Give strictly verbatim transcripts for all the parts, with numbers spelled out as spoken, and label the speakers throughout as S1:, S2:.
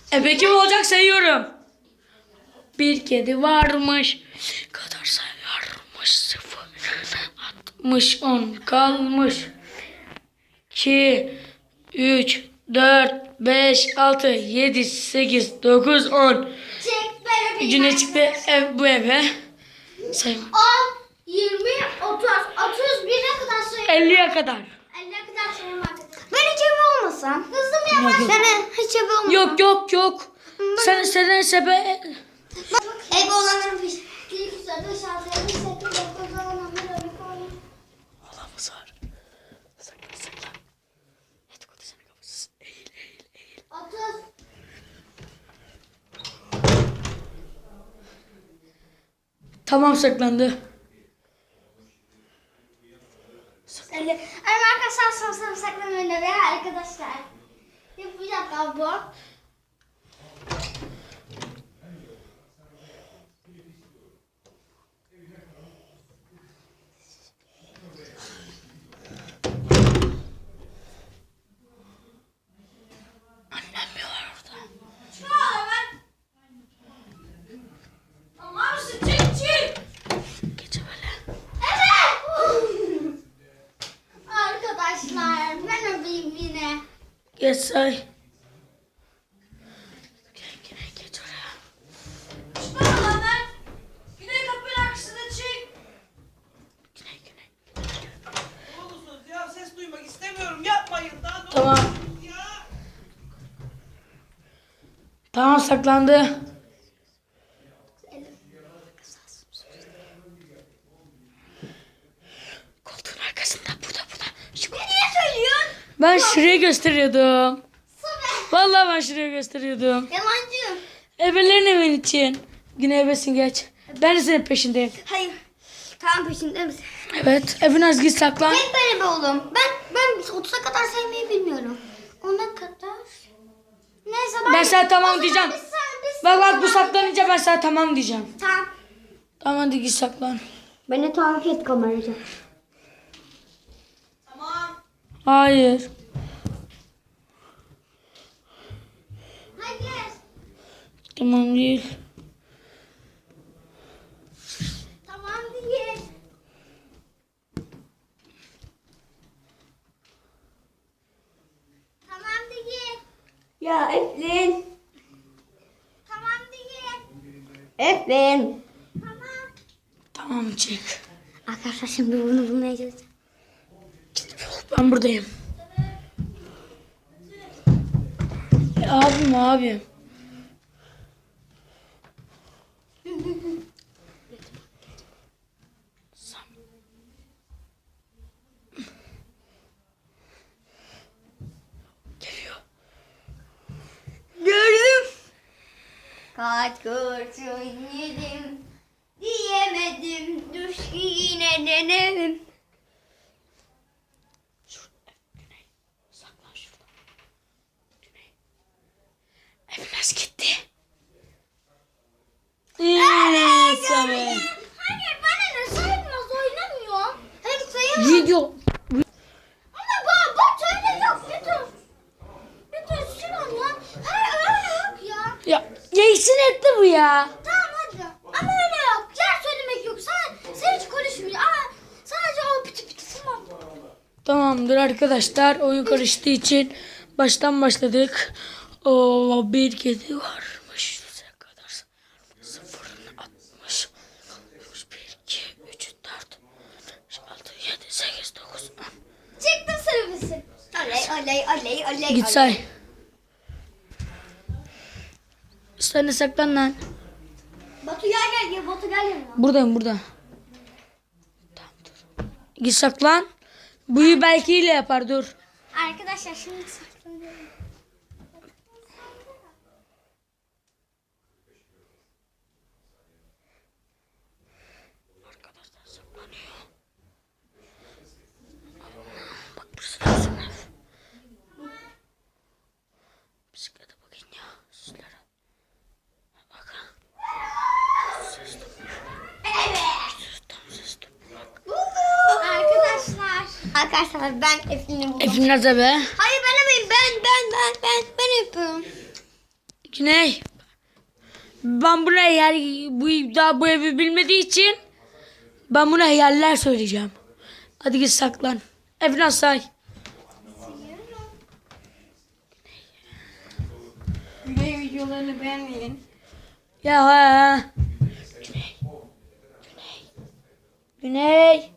S1: Ebe kim olacak sayıyorum. Bir kedi varmış. Kadar sayarmış sıfır. Altmış on kalmış. İki, üç, dört, beş, altı, yedi, sekiz, dokuz, on.
S2: Çek böyle bir
S1: Güne çıktı ev, bu eve. Sayın.
S2: on, yirmi, otuz, otuz bire kadar sayıyorum.
S1: elliye kadar.
S2: elliye kadar sayıyorum arkadaşlar. Ben hiç eve olmasam. Hızlı mı
S1: Yok,
S2: yapar?
S1: yok.
S2: Ben hiç eve olmasam.
S1: Yok yok yok. Sen sen sebe
S2: Eve olanların peşi. bir, iki, üç, dört, beş, altı, yedi, sekiz, dokuz, on, on bir, on iki, on üç.
S1: Allah'ımız var. Saklan saklan. Hadi kodu sana kapısız. Eğil eğil eğil.
S2: otuz.
S1: Tamam saklandı.
S2: elli. Ama arkadaşlar son sınıf saklanmayın ve arkadaşlar. Yapacak abi bu.
S1: Annem mi var orada? Gece böyle.
S2: Evet. Arkadaşlar ben öpeyim yine.
S1: Geç say. Gel gel geç oraya. Güney güney.
S3: Ne olursunuz ya, ses duymak istemiyorum, yapmayın daha ne
S1: Tamam.
S3: olursunuz ya.
S1: Tamam saklandı. Koltuğun arkasında burada burada. Şu
S2: Ne niye söylüyorsun?
S1: Ben şuraya gösteriyordum.
S2: Sana.
S1: Vallahi ben şuraya gösteriyordum.
S2: Yalancı.
S1: Ebelerin evin için. Güne ebesin geç. Ben de senin peşindeyim.
S2: Hayır. Tamam peşinde misin?
S1: Evet. Ebinaz git saklan.
S2: Hep böyle be oğlum. Ben ben otuza kadar saymayı bilmiyorum. Ona kadar. Neyse ben.
S1: Ben sana tamam
S2: O zaman
S1: diyeceğim.
S2: Biz, biz,
S1: Bak bak bu saklanınca ben sana tamam diyeceğim.
S2: Tamam.
S1: Tamam hadi git saklan.
S2: Beni takip et kameracı.
S3: Tamam.
S1: Hayır.
S2: Hayır.
S1: Tamam değil.
S2: Tamam değil. Tamam değil.
S4: Ya Eflin.
S2: Tamam değil.
S4: Eflin.
S2: Tamam.
S1: Tamam çık.
S2: Arkadaşlar şimdi bunu bulmaya çalışacağım.
S1: Ben buradayım. E, abim abim. Geliyor.
S2: Gördüm. Kaç kurşun yedim. Diyemedim. Düş yine denedim.
S1: Şurada. Güney. Saklan şurada. Güney. Evimiz gitti. Evet. Evet.
S2: Hayır bana ne sayılmaz oynamıyorum. Hem sayamam.
S1: Video.
S2: Ama baba bak öyle yok. Lütfen. Lütfen şuran ya. Hayır öyle yok ya.
S1: Ya geçsin etti bu ya.
S2: Tamam hadi. Ama öyle yok. Yer söylemek yok. Sen, sen hiç konuşmuyor. Aa, sadece o pıtı pıtısı var.
S1: Tamamdır arkadaşlar. Oyun karıştığı için baştan başladık. O bir kedi varmış. Yüze kadar sıfırını atmış. Bir, iki, üç, dört, beş, altı, yedi, sekiz, dokuz, on.
S2: Çektim servisi. Oley oley oley oley.
S1: Git say. Sen de saklan lan.
S2: Batu gel gel gel. Batu gel yanıma.
S1: Buradayım burada. Tamam dur. Git saklan. Buyu belki ile yapar dur.
S2: Arkadaşlar şimdi saklanıyorum.
S1: Arkadaşlar saklanıyor. Bak burası da sınıf. Bisiklete bakın ya. Sizlere. Bakın. Ses de
S2: Evet.
S1: tam ses de bak.
S2: Arkadaşlar. Arkadaşlar ben Eflin'i buldum.
S1: Efendim be.
S2: Hayır ben yapayım. Ben ben ben ben ben yapıyorum.
S1: Güney. Ben buna eğer bu daha bu evi bilmediği için ben buna yerler söyleyeceğim. Hadi git saklan. Efnan say.
S4: Güney videolarını beğenmeyin.
S1: Ya ha. Güney. Güney. Güney.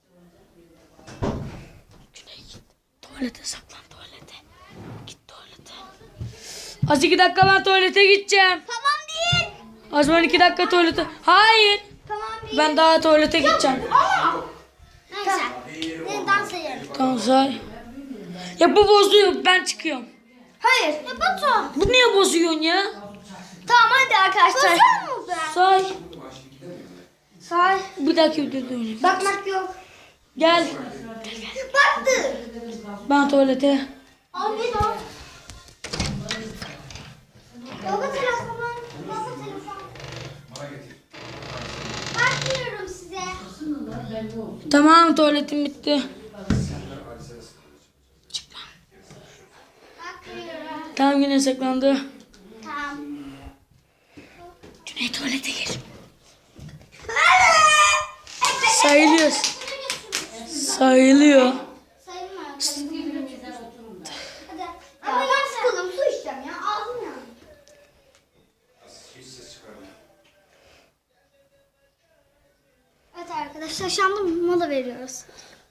S1: Güney git. Tuvalete saklan tuvalete. Git tuvalete. Az iki dakika ben tuvalete gideceğim.
S2: Tamam değil.
S1: Az ben iki dakika tuvalete. Hayır.
S2: Tamam değil.
S1: Ben daha tuvalete gideceğim.
S2: Ama. Neyse. Ne dans edelim.
S1: Tamam say. Ya bu bozuyor. Ben çıkıyorum.
S2: Hayır. Ya Batu.
S1: Bu niye bozuyorsun ya?
S2: Tamam hadi arkadaşlar. Bozuyor mu ben?
S1: Say.
S2: Say.
S1: Bir dakika videoda oynayayım.
S2: Bakmak yok.
S1: Gel.
S2: Baktı.
S1: Ben tuvalete.
S2: Abi bak. Baba telefon. Baba telefon. Bakmıyorum size.
S1: Tamam tuvaletim bitti.
S2: Bakmıyorum.
S1: Tamam yine saklandı.
S2: Tamam.
S1: Güney tuvalete gir. Sayılıyor. Sayılıyor.
S2: Sayılmıyor. Hadi. Ama ben sıkıldım. Su içeceğim ya. Ağzım yandı. Evet arkadaşlar şu anda mola veriyoruz.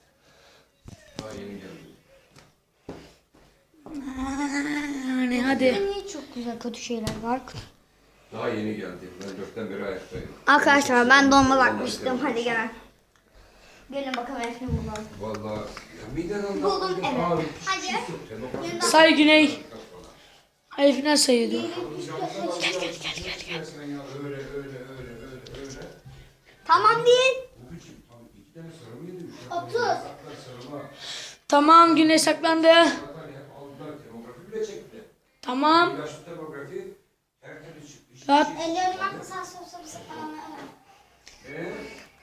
S1: Yani hadi.
S2: Niye çok güzel kötü şeyler var?
S5: Daha yeni geldim. Ben dörtten beri ayaktayım.
S2: Arkadaşlar ben donma bakmıştım. Hadi gel. Gelin bakalım Efne bulalım.
S5: Vallahi ya miden aldı.
S2: Buldum evet. Hadi.
S1: Say Güney. Hayır final sayıyordu.
S5: Gel gel gel gel gel. Öyle öyle öyle öyle öyle.
S2: Tamam değil.
S5: Bugünkü tam iki tane sıra mıydı?
S2: Otuz.
S5: Saklar sırama.
S1: Tamam Güney saklandı.
S5: Zaten hep aldılar. Demografi bile çekti.
S1: Tamam.
S5: İlaçlı demografi tertemiz çıkmış.
S1: Rahat.
S2: Ellerim bak sağ sol sol sıkılamıyor.
S5: Eee?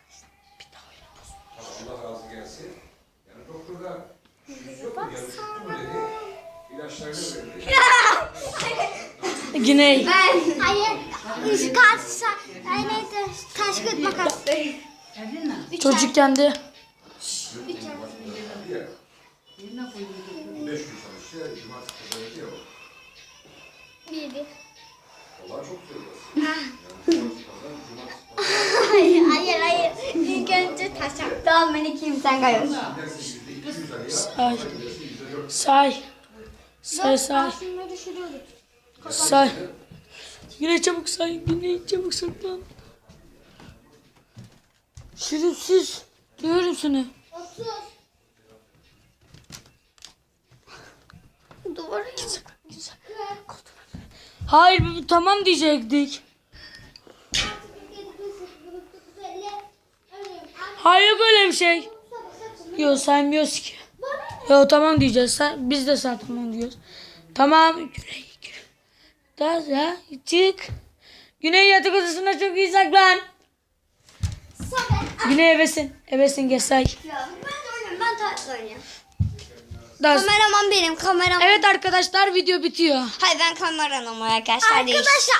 S5: Allah razı gelsin. Yani doktor da yüz yok mu? Yarı çıktı mı dedi. İlaçlarını verdi.
S1: Güney.
S2: Ben. Hayır. Üç kaç sa- Ay neydi? Taş kağıt makas.
S1: Çocukken de.
S5: Beş gün çalıştı. Cumartesi pazarı yok.
S2: Bir bir.
S5: Vallahi çok söylüyorsun. Yani cumartesi pazar, cumartesi pazar.
S2: Hayır hayır hayır. İlk önce taş attı. Tamam ben ikiyim sen kayıyorsun.
S5: Dersin yüzde iki yüz araya.
S1: Say.
S5: Dersin yüzde dört.
S1: Say. Say say.
S2: Aslında düşürüyorduk.
S1: Say. Güney çabuk say. Güney çabuk saklan. Şerefsiz. Diyorum seni.
S2: Otuz. Duvara git.
S1: Hayır bu- tamam diyecektik. Hayır yok öyle bir şey. Yok saymıyoruz ki. Yok tamam diyeceğiz. Sen, biz de sen tamam diyoruz. Tamam. Güney. Güney. Daha ya çık. Güney yatak odasına çok iyi saklan. Güney evesin. Evesin gel say.
S2: Ya ben oynayayım. Ben taş oynayayım.
S1: Daha-
S2: Kameraman benim. Kameraman.
S1: Evet arkadaşlar video bitiyor.
S2: Hayır ben kameramanım arkadaşlar. Arkadaşlar